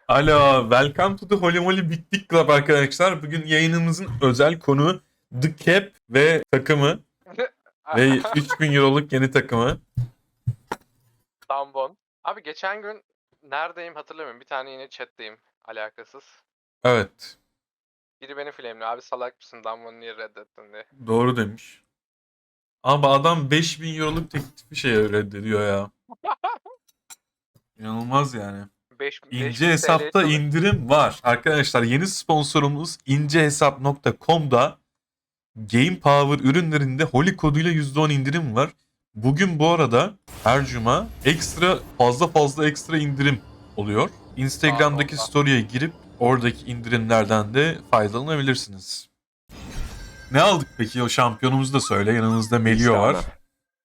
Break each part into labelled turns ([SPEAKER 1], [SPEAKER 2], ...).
[SPEAKER 1] Alo, welcome to the Holy Moly Big Dick Club arkadaşlar. Bugün yayınımızın özel konu The Cap ve takımı ve 3000 euroluk yeni takımı.
[SPEAKER 2] Dambon. Abi geçen gün neredeyim hatırlamıyorum. Bir tane yine chat'teyim. Alakasız.
[SPEAKER 1] Evet,
[SPEAKER 2] Biri beni flame'liyor. Abi salak mısın Dambon'u niye reddettin diye.
[SPEAKER 1] doğru demiş. Ama adam 5000 euroluk teklifi reddediyor ya. İnanılmaz yani.
[SPEAKER 2] 5000
[SPEAKER 1] İnce
[SPEAKER 2] TL
[SPEAKER 1] Hesap'ta
[SPEAKER 2] çalış-
[SPEAKER 1] indirim var. Arkadaşlar yeni sponsorumuz incehesap.com'da Game Power ürünlerinde Holy koduyla %10 indirim var. Bugün bu arada her cuma fazla ekstra indirim oluyor. Instagram'daki
[SPEAKER 2] Allah.
[SPEAKER 1] story'e girip oradaki indirimlerden de faydalanabilirsiniz. Ne aldık peki? O şampiyonumuzu da söyle. Yanımızda Melio var.
[SPEAKER 3] Tristana.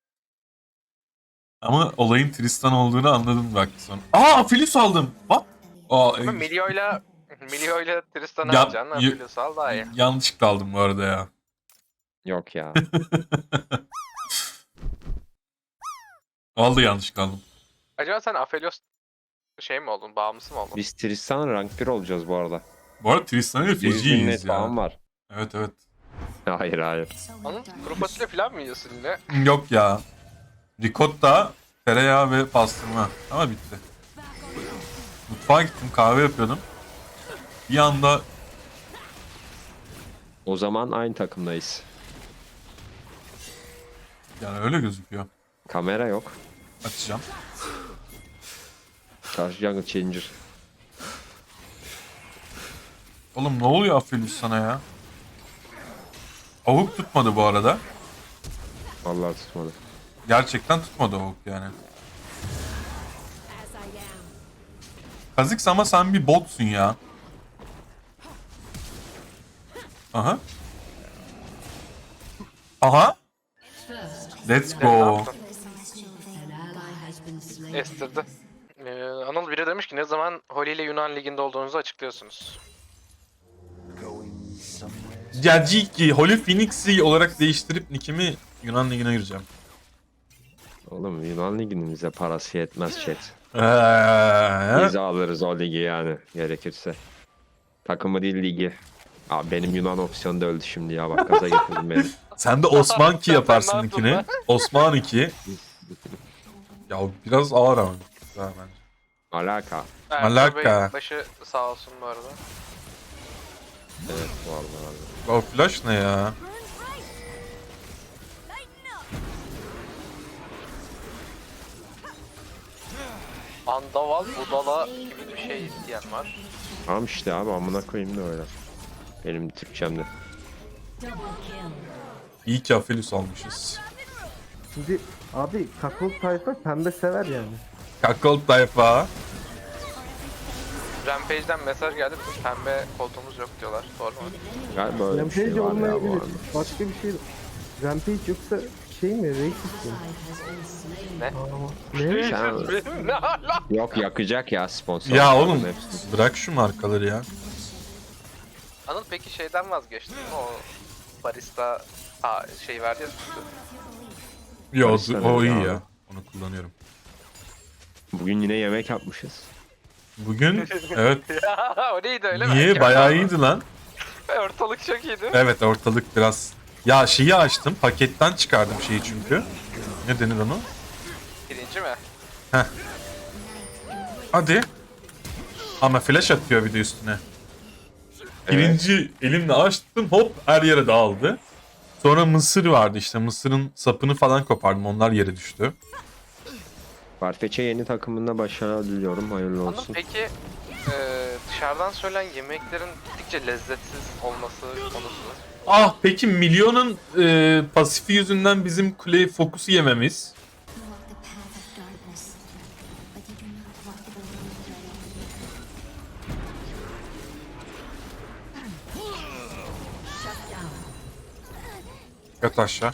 [SPEAKER 1] Ama olayın Tristan olduğunu anladım bak sonra. Aa, Philips aldım. What? Aa,
[SPEAKER 2] Ama Milio'yla Tristan'ı
[SPEAKER 1] Ya-
[SPEAKER 2] alacaksın.
[SPEAKER 1] y-
[SPEAKER 2] Aphelios al daha iyi.
[SPEAKER 1] yanlışlıkla aldım bu arada ya.
[SPEAKER 3] Yok ya.
[SPEAKER 1] Vallahi yanlışlıkla aldım.
[SPEAKER 2] Acaba sen Aphelios şey mi oldun? Bağımlısı mı oldun?
[SPEAKER 3] Biz Tristan rank 1 olacağız bu arada.
[SPEAKER 1] Bu arada Tristan'ı da
[SPEAKER 3] 100 bin
[SPEAKER 1] feciyiz
[SPEAKER 3] net
[SPEAKER 1] ya.
[SPEAKER 3] falan var.
[SPEAKER 1] Evet evet.
[SPEAKER 3] Hayır hayır.
[SPEAKER 2] Onun kuru fasulye falan mı yiyorsun yine?
[SPEAKER 1] Yok ya. Ricotta, tereyağı ve pastırma. Ama bitti. Mutfağa gittim, kahve yapıyordum. Bir anda
[SPEAKER 3] O zaman aynı takımdayız.
[SPEAKER 1] yani öyle gözüküyor.
[SPEAKER 3] Kamera yok.
[SPEAKER 1] Açacağım.
[SPEAKER 3] Karşı Jungle Changer.
[SPEAKER 1] Oğlum ne oluyor Aphelios sana ya? Avuk tutmadı bu arada.
[SPEAKER 3] Vallahi tutmadı.
[SPEAKER 1] Gerçekten tutmadı avuk yani. Kazıks ama sen bir botsun ya. Aha. Aha. Let's
[SPEAKER 2] Ne
[SPEAKER 1] go.
[SPEAKER 2] yaptın? Estirdi. Anıl biri demiş ki ne zaman Holy ile Yunan Ligi'nde olduğunuzu açıklıyorsunuz.
[SPEAKER 1] Caciki, Holy Phoenix'i olarak değiştirip nickimi Yunan Ligi'ne gireceğim.
[SPEAKER 3] Oğlum Yunan liginin bize parası yetmez chat.
[SPEAKER 1] Eee?
[SPEAKER 3] Biz alırız o ligi yani gerekirse. Takımı değil ligi. Abi benim Yunan opsiyonu da öldü şimdi ya, bak gaza getirdin beni.
[SPEAKER 1] Sen de Osman 2
[SPEAKER 2] Sen
[SPEAKER 1] yaparsın
[SPEAKER 2] ne yaptın
[SPEAKER 1] nickini.
[SPEAKER 2] lan?
[SPEAKER 1] Osman 2. Ya biraz ağır ama. Güzel bence.
[SPEAKER 3] Alaka.
[SPEAKER 1] Malaka.
[SPEAKER 2] Bey başı sağ olsun bu arada.
[SPEAKER 3] Evet vallahi.
[SPEAKER 1] O flash ne ya?
[SPEAKER 2] Andaval budala gibi bir şey diyen var.
[SPEAKER 3] Tamam işte abi, amına koyayım da öyle. Benim Türkçemde.
[SPEAKER 1] İyi ki Aphelios almışız.
[SPEAKER 4] Şimdi abi kakıl tayfa pembe sever yani.
[SPEAKER 1] Kakol tayfa.
[SPEAKER 2] Rampage'den mesaj geldi. Bizim pembe koltuğumuz yok diyorlar. Doğru mu?
[SPEAKER 3] Galiba öyle bir
[SPEAKER 4] Rampage
[SPEAKER 3] şey var ya bu
[SPEAKER 4] olmayabilir.
[SPEAKER 3] arada.
[SPEAKER 4] Başka bir şey. Rampage yoksa şey mi? Racist mi?
[SPEAKER 2] Ne?
[SPEAKER 4] Ne?
[SPEAKER 3] Sen-
[SPEAKER 2] Ne ala?
[SPEAKER 3] Yok yakacak ya sponsor.
[SPEAKER 1] Ya oğlum
[SPEAKER 3] Hepsi.
[SPEAKER 1] bırak şu markaları ya.
[SPEAKER 2] Anıl peki şeyden vazgeçtin mi? O barista şey verdi ya sütü.
[SPEAKER 1] Yo
[SPEAKER 3] Barista
[SPEAKER 1] o iyi
[SPEAKER 3] dedi
[SPEAKER 1] ya.
[SPEAKER 3] abi.
[SPEAKER 1] Onu kullanıyorum.
[SPEAKER 3] Bugün yine yemek yapmışız.
[SPEAKER 1] Bugün evet.
[SPEAKER 2] Ya o neydi öyle mi?
[SPEAKER 1] Niye?
[SPEAKER 2] Çok
[SPEAKER 1] Bayağı
[SPEAKER 2] iyi.
[SPEAKER 1] iyiydi lan.
[SPEAKER 2] Ortalık çok iyiydi.
[SPEAKER 1] Evet ortalık biraz. Ya şeyi açtım. Paketten çıkardım şeyi çünkü. Ne denir onu?
[SPEAKER 2] Birinci mi?
[SPEAKER 1] Hadi. Ama flash atıyor bir de üstüne. Birinci elimle açtım, hop her yere dağıldı. Sonra mısır vardı işte, mısırın sapını falan kopardım, onlar yere düştü.
[SPEAKER 3] Farfetch'e yeni takımında başarılar diliyorum. Hayırlı
[SPEAKER 2] Anıl
[SPEAKER 3] olsun.
[SPEAKER 2] peki dışarıdan söylenen yemeklerin gittikçe lezzetsiz olması konusu.
[SPEAKER 1] Ah peki Milyon'un pasifi yüzünden bizim kuleyi fokusu yememiz.
[SPEAKER 5] You walk the path of darkness, but you do not walk the road of
[SPEAKER 1] Yat aşağı.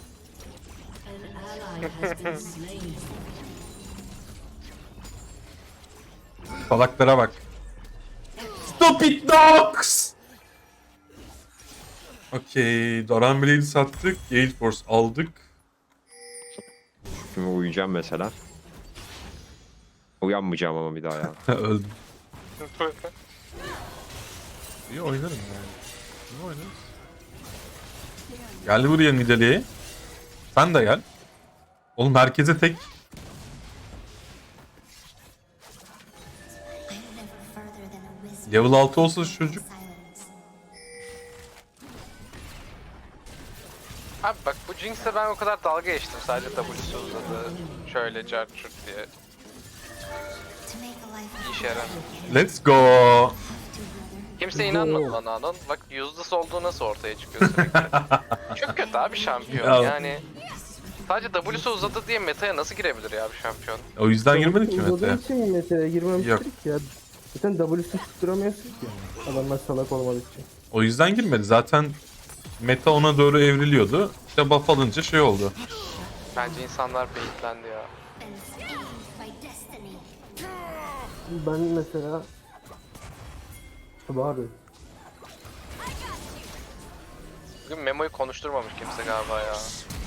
[SPEAKER 1] Salaklara bak. Stop it dogs! Okey. Doran Blade'i sattık. Gale Force aldık.
[SPEAKER 3] Şimdi uyuyacağım mesela. Uyanmayacağım ama bir daha ya.
[SPEAKER 1] Öldüm. İyi oynarım yani. İyi oynarız. Gel buraya Nidalee'ye. Sen de gel. Oğlum herkese tek.
[SPEAKER 5] I'm never further than a whisper.
[SPEAKER 1] Level 6 olsa şu çocuk.
[SPEAKER 5] Silence.
[SPEAKER 2] Abi bak bu Jinx'e ben o kadar dalga geçtim sadece W'su uzadı. Şöyle cart çurt diye.
[SPEAKER 5] To make a life
[SPEAKER 2] İşe yarar.
[SPEAKER 1] Let's go.
[SPEAKER 5] to, brother.
[SPEAKER 2] Kimse inanmadı bana Anon. Bak useless olduğu nasıl ortaya çıkıyor sürekli. Çok kötü abi şampiyon
[SPEAKER 1] Ya.
[SPEAKER 2] yani. Sadece W'su uzadı diye meta'ya nasıl girebilir ya bir şampiyon?
[SPEAKER 1] O yüzden girmedik ki
[SPEAKER 4] Uzadığı
[SPEAKER 1] Mete'ye.
[SPEAKER 4] için mi mesela girmemiştik
[SPEAKER 1] Yok.
[SPEAKER 4] ya. Zaten W'sunu tutturamıyorsun ki. Adamlar salak olmadığı için.
[SPEAKER 1] O yüzden girmedi. Zaten meta ona doğru evriliyordu. İşte buff alınca şey oldu.
[SPEAKER 2] Bence insanlar beyitlendi ya.
[SPEAKER 5] Been schemed by destiny.
[SPEAKER 4] Ben mesela... Abi.
[SPEAKER 2] Bugün Memo'yu konuşturmamış kimse galiba ya.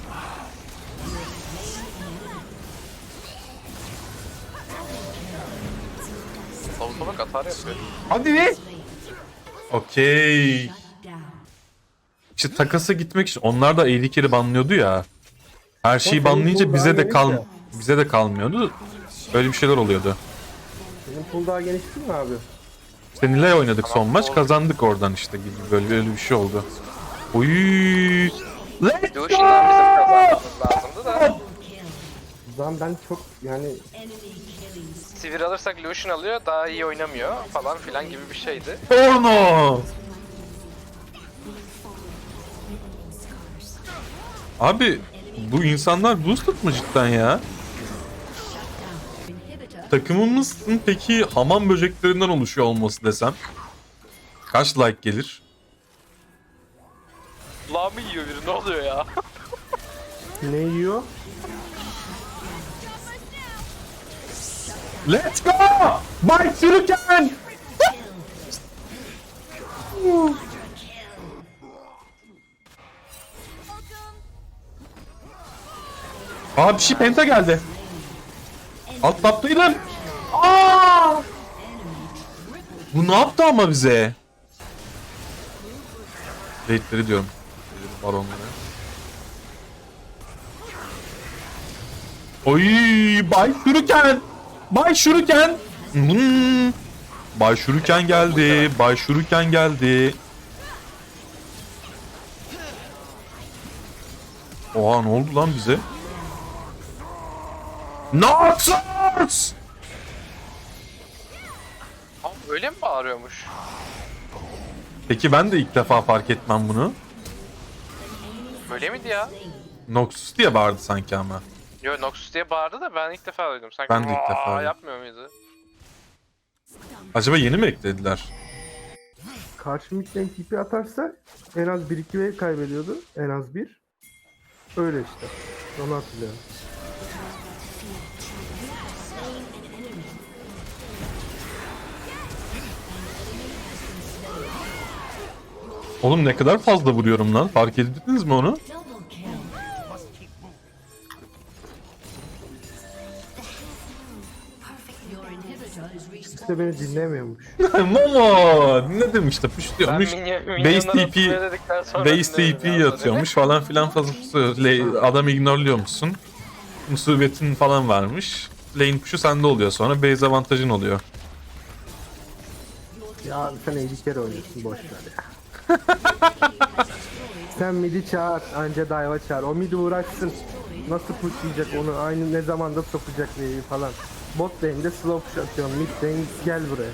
[SPEAKER 2] Lavuta bak atar yapıyor.
[SPEAKER 1] Hadi be. Okey. İşte takasa gitmek için onlar da AD carry banlıyordu ya. Her şeyi
[SPEAKER 4] senin
[SPEAKER 1] banlayınca
[SPEAKER 4] pool
[SPEAKER 1] bize
[SPEAKER 4] daha
[SPEAKER 1] de
[SPEAKER 4] geniş ya.
[SPEAKER 1] bize de kalmıyordu. Böyle bir şeyler oluyordu.
[SPEAKER 4] Senin pool daha geniş değil mi abi?
[SPEAKER 1] İşte Nilay oynadık son
[SPEAKER 2] Tamam,
[SPEAKER 1] maç,
[SPEAKER 2] oldu.
[SPEAKER 1] kazandık oradan işte gibi böyle bir şey oldu. Oy! Let's
[SPEAKER 2] Lucian'dan bizim kazanmamız lazımdı da.
[SPEAKER 4] O zaman ben çok yani
[SPEAKER 2] Sivir alırsak Lucian alıyor daha iyi oynamıyor falan filan gibi bir şeydi.
[SPEAKER 1] Porno! Abi bu insanlar boosted mı cidden ya? Takımımızın peki hamam böceklerinden oluşuyor olması desem kaç like gelir?
[SPEAKER 2] Kulağımı yiyor biri ne oluyor ya?
[SPEAKER 4] ne yiyor?
[SPEAKER 1] Let's go! Bay Sürüken! Aa bir şey penta geldi. Alt taptaydım. Aa! Bu ne yaptı ama bize? Raidleri diyorum. Baronları. Oy Bay Şuruken. Bay Şuruken. Bay Şuruken geldi. Bay Şuruken geldi. Oha ne oldu lan bize? Noxus!
[SPEAKER 2] Abi öyle mi bağırıyormuş?
[SPEAKER 1] Peki ben de ilk defa fark etmem bunu.
[SPEAKER 2] Öyle miydi ya?
[SPEAKER 1] Noxus diye bağırdı sanki ama.
[SPEAKER 2] Yo Noxus diye bağırdı da ben ilk defa duydum. Sanki
[SPEAKER 1] Ben de ilk
[SPEAKER 2] "Vaa!"
[SPEAKER 1] defa duydum.
[SPEAKER 2] yapmıyor muydu?
[SPEAKER 1] Acaba yeni mi eklediler?
[SPEAKER 4] Karşı midden tipi atarsa en az 1-2 wave kaybediyordu. En az 1. Öyle işte. Onu hatırlıyorum.
[SPEAKER 1] Oğlum ne kadar fazla vuruyorum lan. Fark ettiniz mi onu?
[SPEAKER 4] İşte beni dinlemiyormuş.
[SPEAKER 1] Momo! Ne demiş de push diyormuş. Base
[SPEAKER 2] minyonlara
[SPEAKER 1] TP
[SPEAKER 2] tutmaya dedikten sonra
[SPEAKER 1] Base
[SPEAKER 2] dinlemedim
[SPEAKER 1] TP
[SPEAKER 2] ya.
[SPEAKER 1] yatıyormuş falan filan fazla. Adam ignorluyormuşsun. Musibetin falan varmış. Lane push'u sende oluyor sonra base avantajın oluyor.
[SPEAKER 4] Ya abi sen 50 kere oynuyorsun boş ver ya. Sen midi çağır, anca dive'a çağır. O midi uğraşsın. Nasıl pushlayacak onu, aynı ne zamanda sokacak wave'i falan. Bot lane'de slow push atıyorum, mid lane gel buraya.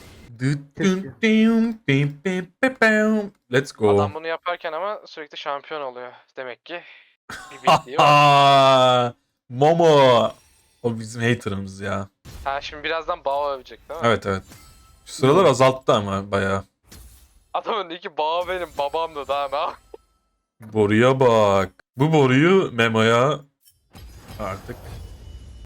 [SPEAKER 1] Let's go.
[SPEAKER 2] Adam bunu yaparken ama sürekli şampiyon oluyor. Demek ki bir bildiği var.
[SPEAKER 1] Aa, Momo. O bizim haterımız ya.
[SPEAKER 2] Ha şimdi birazdan Bao övecek değil mi?
[SPEAKER 1] Evet evet. Şu sıralar azalttı ama bayağı.
[SPEAKER 2] Adamın iki Bao benim babamdı daha ne?
[SPEAKER 1] Boruya bak. Bu boruyu Memo'ya artık